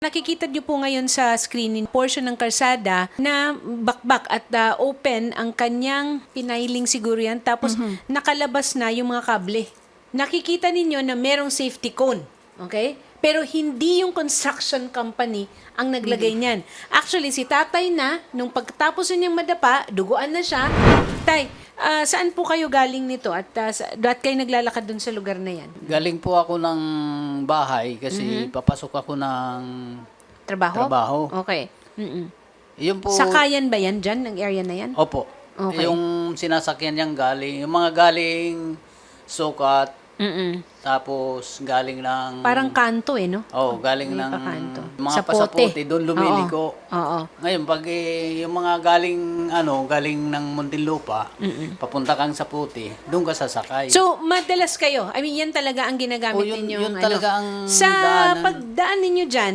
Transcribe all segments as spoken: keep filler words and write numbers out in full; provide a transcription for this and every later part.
Nakikita niyo po ngayon sa screen portion ng kalsada na bakbak at uh, open ang kanyang pinailing siguro yan. Tapos mm-hmm. nakalabas na yung mga kable. Nakikita ninyo na merong safety cone. Okay? Pero hindi yung construction company ang naglagay niyan. Actually, si tatay na, nung pagkatapos niyang madapa, duguan na siya. Tay, uh, saan po kayo galing nito? At uh, sa, at kayo naglalakad dun sa lugar na yan? Galing po ako ng bahay kasi mm-hmm. papasok ako ng trabaho. trabaho. Okay. Mm-mm. Yun po, Sakayan ba yan dyan, ng area na yan? Opo. Okay. Yung sinasakyan niyang galing, yung mga galing Sukat, Mm-mm. tapos galing ng... Parang kanto eh, no? Oh, galing May ng pakanto. mga Sa pasapote, pote. doon lumiliko. Oo. Oo. Ngayon, pag eh, yung mga galing, ano, galing ng Muntinlupa, Mm-mm. papunta kang sa puti, doon ka sasakay. So, madalas kayo. I mean, yan talaga ang ginagamit Oh, yun- ninyo. yun talaga ang Sa daanan. pagdaan ninyo dyan,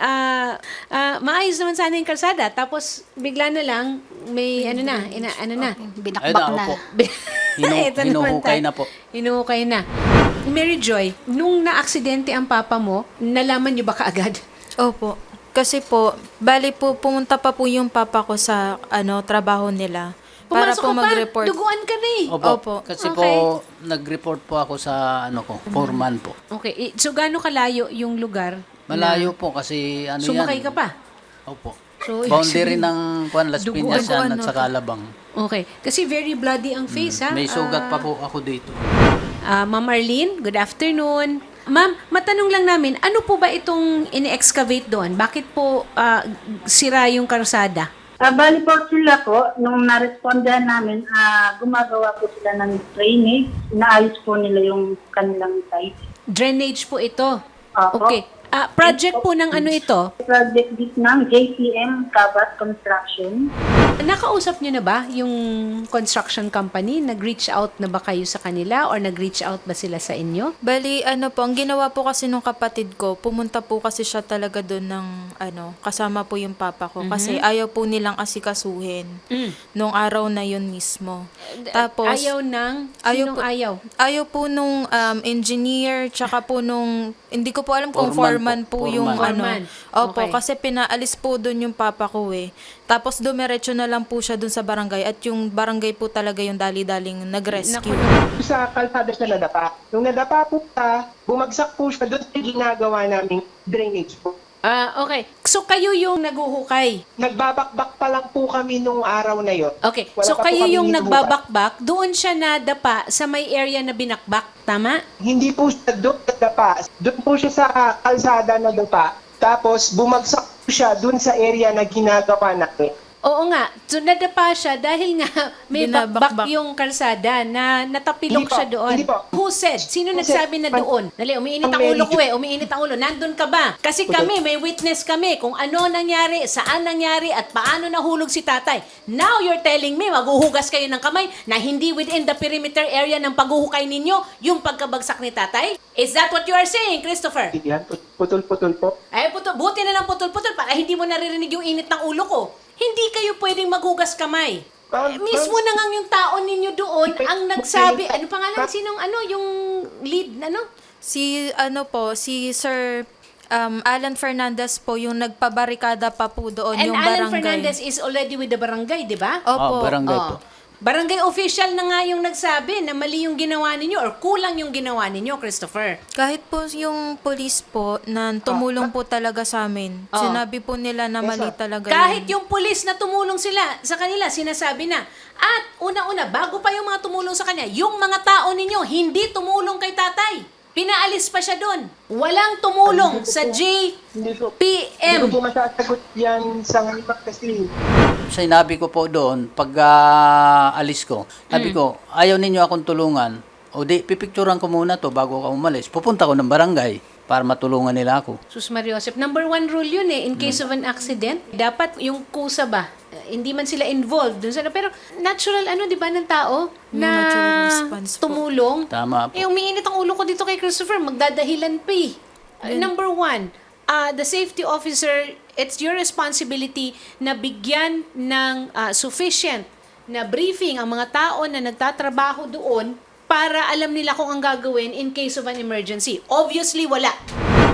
ah ah, maayos naman sana yung kalsada. Tapos, bigla na lang, may ano na, ina, ano na. Binakbak Ayun na, na. opo. Hinu- Ito naman hinuhukay tayo. na po. Hinuhukay na. Mary Joy, nung na-aksidente ang papa mo, nalaman niyo ba kaagad? Opo. Kasi po, bali po, pumunta pa po yung papa ko sa ano trabaho nila. Para Pumasok po ka pa, mag-report. duguan ka na eh. Opo. Opo. Kasi Okay. po, nag-report po ako sa, ano ko, foreman po. Okay, i- so gaano kalayo yung lugar? Malayo po kasi, ano Sumakay yan. ka pa? Opo. So, Boundary ng Juan Las Duguan. Piñas yan Duguan, at sa no? Calabang. Okay. Kasi very bloody ang face, ha? May sugat Ah, pa po ako dito. ah, Ma'am Arlene, good afternoon. Ma'am, matanong lang namin, ano po ba itong ini-excavate doon? Bakit po ah, sira yung karusada? Ah, bali po sila po, nung na-respondahan namin, ah, gumagawa po sila ng drainage, inaayos po nila yung kanilang site. Drainage po ito. Opo. Okay. Ah, project po ng ano ito? Project this ng J P M Kabat Construction. Nakausap niyo na ba yung construction company? Nag-reach out na ba kayo sa kanila or nag-reach out ba sila sa inyo? Bali, ano po, ang ginawa po kasi nung kapatid ko, pumunta po kasi siya talaga doon ng, ano, kasama po yung papa ko. Kasi ayaw po nilang asikasuhin Mm. nung araw na yun mismo. Tapos, Ayaw ng? Ayaw Sinong po- ayaw? ayaw po nung um, engineer, tsaka po nung, hindi ko po alam kung Foreman foreman po. po, yung Foreman. ano. Opo, Okay. kasi pinaalis po doon yung papa ko eh. Tapos dumiretso na lang po siya doon sa barangay at yung barangay po talaga yung dali-daling nag-rescue. Naku, Sa kalsada siya nadapa. Nung nadapa po siya, bumagsak po siya doon sa ginagawa naming drainage po. Ah, okay. So kayo yung naguhukay. Nagbabakbak pa lang po kami nung araw na yon. Okay. Wala So pa po kayo kami yung hinuhukay. nagbabakbak, doon siya nadapa sa may area na binakbak. Tama? Hindi po siya doon nadapa. Doon po siya sa kalsada nadapa. Tapos bumagsak po siya doon sa area na ginagawa namin. Oo nga. So nadapa siya dahil nga may bakbak Binabakbak. yung kalsada na natapilok Hindi po, siya doon. hindi po. Who said? Sino Who nagsabi said? na doon? Dali, umiinit ang Ang ulo ko eh. manager. Umiinit ang ulo. Nandun ka ba? Kasi kami, may witness kami kung ano nangyari, saan nangyari, at paano nahulog si tatay. Now you're telling me, maghuhugas kayo ng kamay na hindi within the perimeter area ng paghuhukay ninyo yung pagkabagsak ni tatay? Is that what you are saying, Christopher? Yan, putol-putol po. Ay, puto, buti na lang putol-putol para hindi mo naririnig yung init ng ulo ko. Hindi kayo pwedeng maghugas kamay. Ma'am, Eh, mismo ma'am, na nga yung tao ninyo doon ang nagsabi, ano pangalan, Ma'am. sinong ano, yung lead, ano? Si ano po, si Sir um, Alan Fernandez po yung nagpabarikada pa po doon And yung Alan barangay. Fernandez is already with the barangay, di ba? Opo. Ah, barangay Oo. po. Barangay official na nga yung nagsabi na mali yung ginawa ninyo or kulang yung ginawa ninyo, Christopher. Kahit po yung police po na tumulong po talaga sa amin. Oh. Sinabi po nila na mali Yes, sir. talaga Kahit yun. yung pulis na tumulong sila sa kanila, sinasabi na. At una-una, bago pa yung mga tumulong sa kanya, yung mga tao ninyo hindi tumulong kay tatay. Pinaalis pa siya doon. Walang tumulong sa J Hindi ko, P hindi M. ko po masasagot yan sa ngayon kasi Sinabi ko po doon, pag ah, alis ko, sabi ko, ayaw ninyo akong tulungan. O di, pipicturan ko muna to bago ako umalis. Pupunta ko ng barangay para matulungan nila ako. Sus Mariosep, number one rule yun eh, in case of an accident, dapat yung kusa ba, eh, hindi man sila involved dun sa, pero natural ano, di ba, ng tao na natural response po. tumulong. Tama po. Eh, umiinit ang ulo ko dito kay Christopher, magdadahilan pa eh. Uh, number one, uh, the safety officer, it's your responsibility na bigyan ng uh, sufficient na briefing ang mga tao na nagtatrabaho doon para alam nila kung ang gagawin in case of an emergency. Obviously, wala.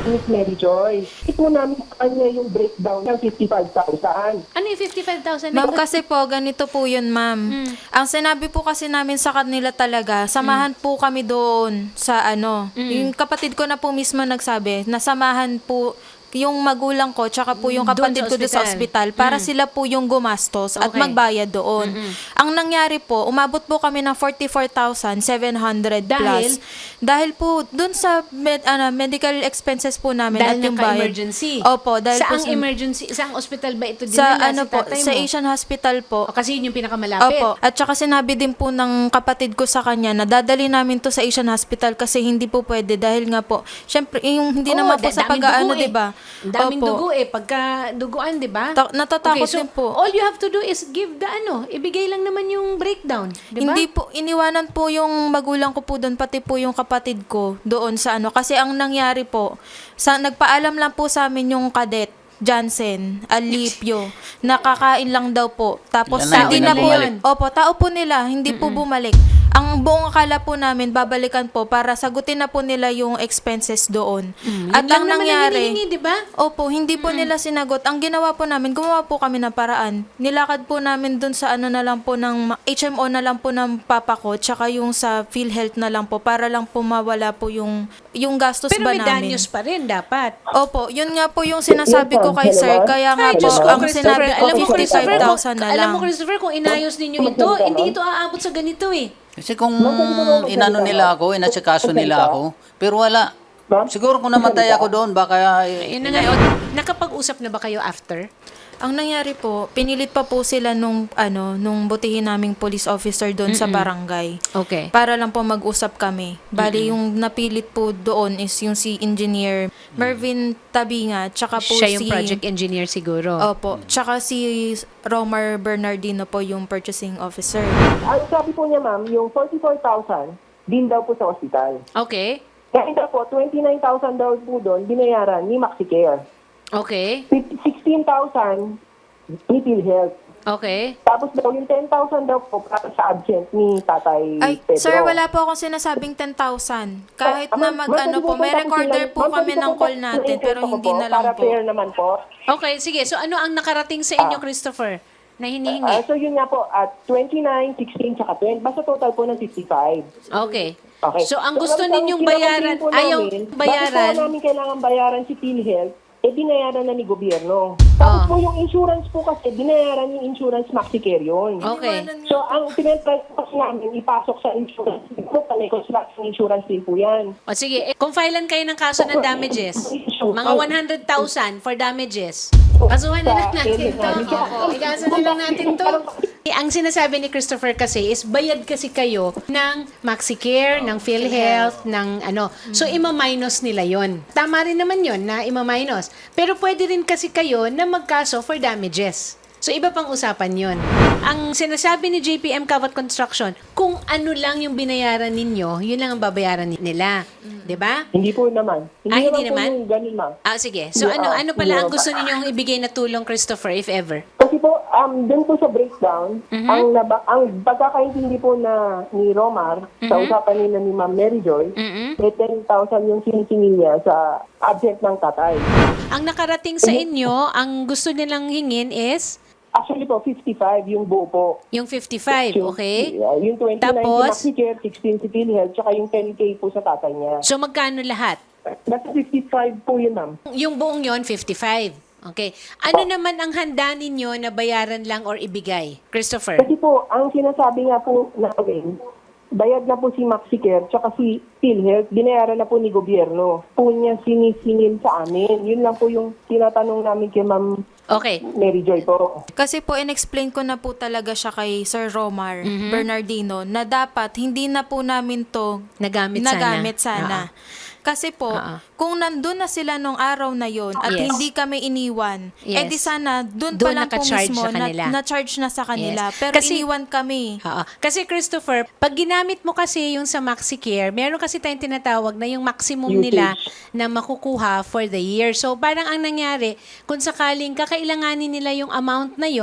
Miss Mary Joy. Ito namin sa kanya yung breakdown ng fifty-five thousand. Ano yung fifty-five thousand? Ma'am, kasi po, ganito po yun, ma'am. Mm. Ang sinabi po kasi namin sa kanila talaga, samahan Mm. po kami doon sa ano. Yung kapatid ko na po mismo nagsabi, nasamahan po yung magulang ko tsaka po yung Doon kapatid sa ko doon sa ospital. ospital para sila po yung gumastos at Okay. magbayad doon. Ang nangyari po, umabot po kami ng forty-four thousand seven hundred Dahil? plus. Dahil po doon sa med, ano, medical expenses po namin Dahil at yung bayad. naka-emergency. Opo, dahil po Saang sa- emergency? Saang ospital ba ito sa dinala ano si po, tatay sa mo? Asian Hospital po. O, kasi yun yung pinakamalapit. Opo. At saka sinabi din po ng kapatid ko sa kanya na dadali namin to sa Asian Hospital kasi hindi po pwede dahil nga po, syempre, yung hindi Oo, naman po da- sa daming pag-aano, dugo eh. di ba? Ang daming Opo. dugo eh. Pagka duguan, di ba? Ta- natatakot so din po. all you have to do is give the ano, ibigay lang naman yung breakdown. Di ba? Hindi po, iniwanan po yung magulang ko po doon, pati po yung kapatid ko doon sa ano. Kasi ang nangyari po, sa, nagpaalam lang po sa amin yung kadet, Jansen, Alipio, nakakain lang daw po. Tapos Yan na, hindi yun na na po, bumalik. opo, tao po nila, hindi po bumalik. Ang buong akala po namin, babalikan po para sagutin na po nila yung expenses doon. At Yun lang ang naman ang nangyari, hinihingi, di ba? opo, hindi po nila sinagot. Ang ginawa po namin, gumawa po kami ng paraan. Nilakad po namin dun sa ano na lang po ng ma- H M O na lang po ng papa ko, tsaka yung sa PhilHealth na lang po, para lang po mawala po yung, yung gastos Pero ba may namin. danyos pa rin dapat. Opo, yun nga po yung sinasabi ko kay Hello, sir. ma'am? Kaya nga Ay, po, Diyos ko, ang Christopher. sinabi ko, Alam mo, Christopher, fifty-five thousand na Alam lang. mo, Christopher, kung inayos ninyo ito, hindi ito aabot sa ganito eh. Kasi kung inano nila ako, inatsikaso nila ako, pero wala. Siguro kung namatay ako doon, baka... eh, Ayun na nga. O, nakapag-usap na ba kayo after? Ang nangyari po, pinilit pa po sila nung ano, nung butihin naming police officer doon sa barangay. Okay. Para lang po mag-usap kami. Bali, yung napilit po doon is yung si Engineer Mervin Tabinga, tsaka po Siya yung si... project engineer siguro. Opo. Tsaka si Romar Bernardino po yung purchasing officer. Ang sabi po niya, ma'am, yung forty-four thousand, din daw po sa ospital. Okay. Kaya daw po, twenty-nine thousand daw po doon, binayaran ni MaxiCare. Okay. sixteen thousand ni PhilHealth. Okay. Tapos daw yung ten thousand daw po para sa absent ni Tatay Ay, Pedro. sir, wala po akong sinasabing ten thousand. Kahit Ah, na ma'am, mag, ma'am, ano pwede po, may po recorder tapusin po lang. Ma'am, kami pwede ng po call po natin, na-interest pero ako hindi po, na lang para po. fair naman po. Okay, sige. So ano ang nakarating sa inyo, Christopher, na Ah, hinihingi? so yun nga po, at twenty-nine, sixteen, tsaka twenty. Basta total po ng fifty-five. Okay. Okay. So ang gusto ang- ang ninyong kinakomplain bayaran, po ayaw namin, bayaran. Bakit po namin kailangan bayaran si PhilHealth? Eh, binayaran na ni gobyerno. Tapos Ah. po yung insurance po kasi, binayaran yung insurance MaxiCare yun. Okay. So, ang tinatry po kasi namin, ipasok sa insurance. Po, panay construction insurance din po yan. O sige, eh, kung filean kayo ng kaso ng damages, mga one hundred thousand for damages. Kasuhan na lang natin to. Oo, ikaso na lang natin to. Eh, Ang sinasabi ni Christopher kasi is bayad kasi kayo ng MaxiCare, ng PhilHealth, ng ano. So, ima-minus nila yon. Tama rin naman yon na ima-minus. Pero pwede rin kasi kayo na magkaso for damages. So, iba pang usapan yon. Ang sinasabi ni J P M Kawat Construction, kung ano lang yung binayaran ninyo, yun lang ang babayaran ni- nila. 'Di ba? Hindi po naman. Hindi Ah, hindi naman. naman? Po yung ganun, ma'am. Ah, sige. So, Yeah, ano ano pala ang yeah. gusto ninyong ibigay na tulong, Christopher, if ever? Kasi po, um, dun po sa breakdown, Mhm. ang, naba, ang pagkakaintindi po na ni Romar, sa usapan nila ni Ma'am Mary Joy, Mhm. may ten thousand yung sinisingil niya sa absent ng tatay. Ang nakarating sa inyo, ang gusto nilang hingin is Actually po, fifty-five yung buo po. yung fifty-five, Yung- okay? Yeah, yung twenty-nine Tapos? si MaxiCare, sixteen si PhilHealth, tsaka yung ten K po sa tatay niya. So, magkano lahat? Nasa fifty-five po yun, ma'am. Yung buong yon fifty-five. Okay. Ano naman ang handa ninyo na bayaran lang or ibigay? Christopher? Kasi po, ang sinasabi nga po namin, bayad na po si MaxiCare tsaka si PhilHealth, binayaran na po ni gobyerno. Po niya sinisingil sa amin. Yun lang po yung tinatanong namin kay Ma'am Okay. Mary Joy po. Kasi po, in-explain ko na po talaga siya kay Sir Romar Bernardino na dapat hindi na po namin to Nagamit sana. nagamit sana. Kasi po, Oo. kung nandun na sila nung araw na yon at Yes. hindi kami iniwan, Yes. eh di sana dun pa Doon lang po naka-charge mismo sa kanila. na, na-charge na sa kanila. Yes. Pero Kasi- iniwan kami. Oo. Kasi Christopher, pag ginamit mo kasi yung sa MaxiCare, meron kasi tayong tinatawag na yung maximum Usage. nila na makukuha for the year. So parang ang nangyari, kung sakaling kakailanganin nila yung amount na yon,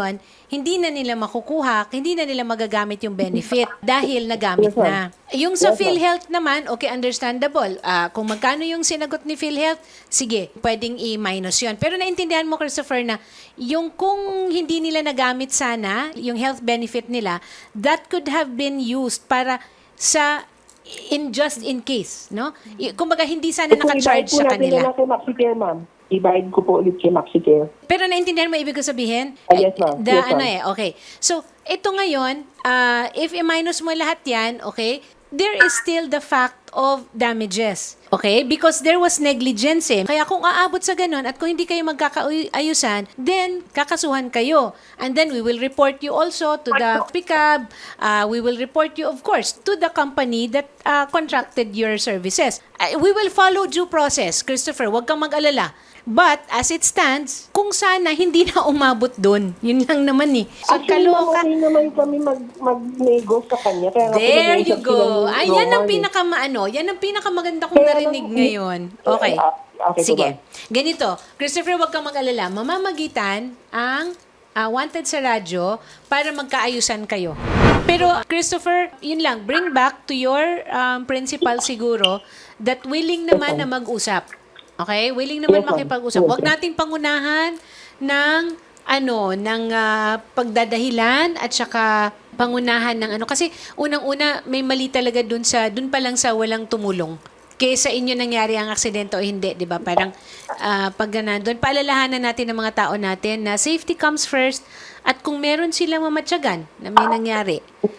hindi na nila makukuha, hindi na nila magagamit yung benefit dahil nagamit Yes, ma'am. na. Yung sa Yes, ma'am. PhilHealth naman, okay, understandable. Ah, kung magkano yung sinagot ni PhilHealth, sige, pwedeng i-minus yun. Pero naintindihan mo, Christopher, na yung kung hindi nila nagamit sana, yung health benefit nila, that could have been used para sa in just in case, no? I- Kumbaga, hindi sana Eh, kung naka-charge ibayad po sa natin kanila. na kay MaxiCare, ma'am. Ibayad ko po ulit kay MaxiCare. Pero naintindihan mo ibig ko sabihin? Ah, yes, ma'am. The, Yes, ma'am. ano eh, okay. So, ito ngayon, ah, if i-minus mo lahat yan, okay, there is still the fact of damages. Okay? Because there was negligence eh. Kaya kung aabot sa ganun at kung hindi kayo magkakaayusan, then kakasuhan kayo. And then we will report you also to the P I C A B. Uh, we will report you, of course, to the company that uh, contracted your services. Uh, we will follow due process, Christopher. Huwag kang mag-alala. But, as it stands, kung sana hindi na umabot doon. Yun lang naman eh. So, Actually, ma'am, kaloka. okay naman kami mag, mag-nego sa kanya. Kaya nga po There nag-uusap you sila go. ni Ay, yan ang Roman, eh. pinakamaano. Yan ang pinakamaganda kong Kaya narinig lang- ngayon. Okay. Ah, okay po Sige. ba? Ganito. Christopher, huwag kang mag-alala. Mamamagitan ang ah, wanted sa radyo para magkaayusan kayo. Pero, Christopher, yun lang. Bring back to your um, principal siguro that willing naman na mag-usap. Okay? Willing naman Yes, ma'am. makipag-usap. Yes, Huwag ma'am. nating pangunahan ng ano, ng ah, pagdadahilan at saka pangunahan ng ano. Kasi unang-una, may mali talaga dun sa, dun pa lang sa walang tumulong. Kaysa inyo nangyari ang aksidente o hindi, di ba? Parang ah, pag nandun, paalalahanan natin ng mga tao natin na safety comes first at kung meron silang mamatyagan na may nangyari,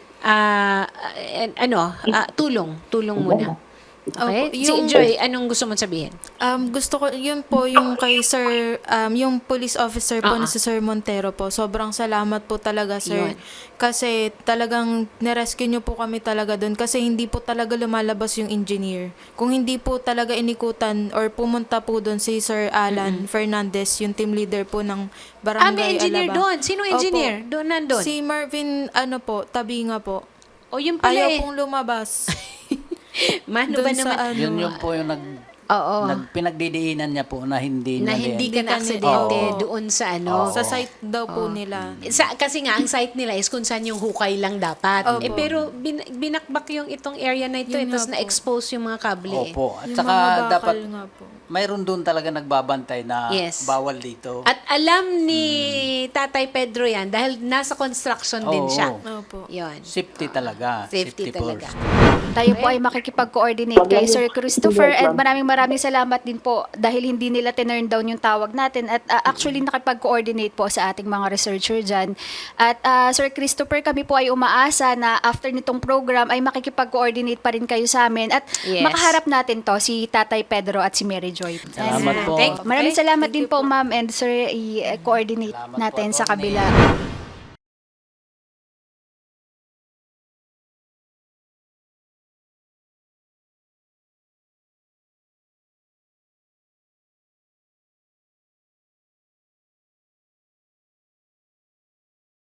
ah, eh, ano, ah, tulong. Tulong muna. Okay? Opo, Si yung- Joy, anong gusto mong sabihin? Um, gusto ko, yun po yung kay Sir, um, yung police officer po Ah, na si Sir Montero po. Sobrang salamat po talaga, Yun. Sir. Kasi talagang nirescue niyo po kami talaga doon. Kasi hindi po talaga lumalabas yung engineer. Kung hindi po talaga inikutan or pumunta po doon si Sir Alan Fernandez, yung team leader po ng Barangay Ah, may engineer Alabang. doon. Sinong engineer? Opo. Doon, nandun? Si Marvin, ano po, Tabinga po. O yun pala Ayaw eh. pong lumabas. Mano Doon ba sa naman? ano, Yun yung po yung nag, Oo. nag pinagdidiinan niya po na hindi na niya hindi din. ka Hindi ka na-aksidente ni- Oo. doon sa ano. Oo. sa site daw po nila. Sa, kasi nga, ang site nila is kung saan yung hukay lang dapat. Opo. Eh, pero bin, binakbak yung itong area na ito, Yun ito nga po. na-expose yung mga kable. eh. Opo. At Yung saka mga bakal dapat nga po. mayroon doon talaga nagbabantay na Yes. bawal dito. At alam ni Tatay Pedro yan dahil nasa construction din Oo. siya. Opo. Yun. Safety talaga. Safety talaga. first. Tayo po ay makikipag-coordinate kay Sir Christopher Yes, and ma'am. maraming maraming salamat din po dahil hindi nila tinurn down yung tawag natin at uh, actually nakipag-coordinate po sa ating mga researcher dyan. At uh, Sir Christopher, kami po ay umaasa na after nitong program ay makikipag-coordinate pa rin kayo sa amin at Yes. makaharap natin to si Tatay Pedro at si Mary Joy. Salamat And, po. Thank- Maraming Okay. salamat Thank din you po po. ma'am and sir i-coordinate Salamat po, natin sa Atty. kabila.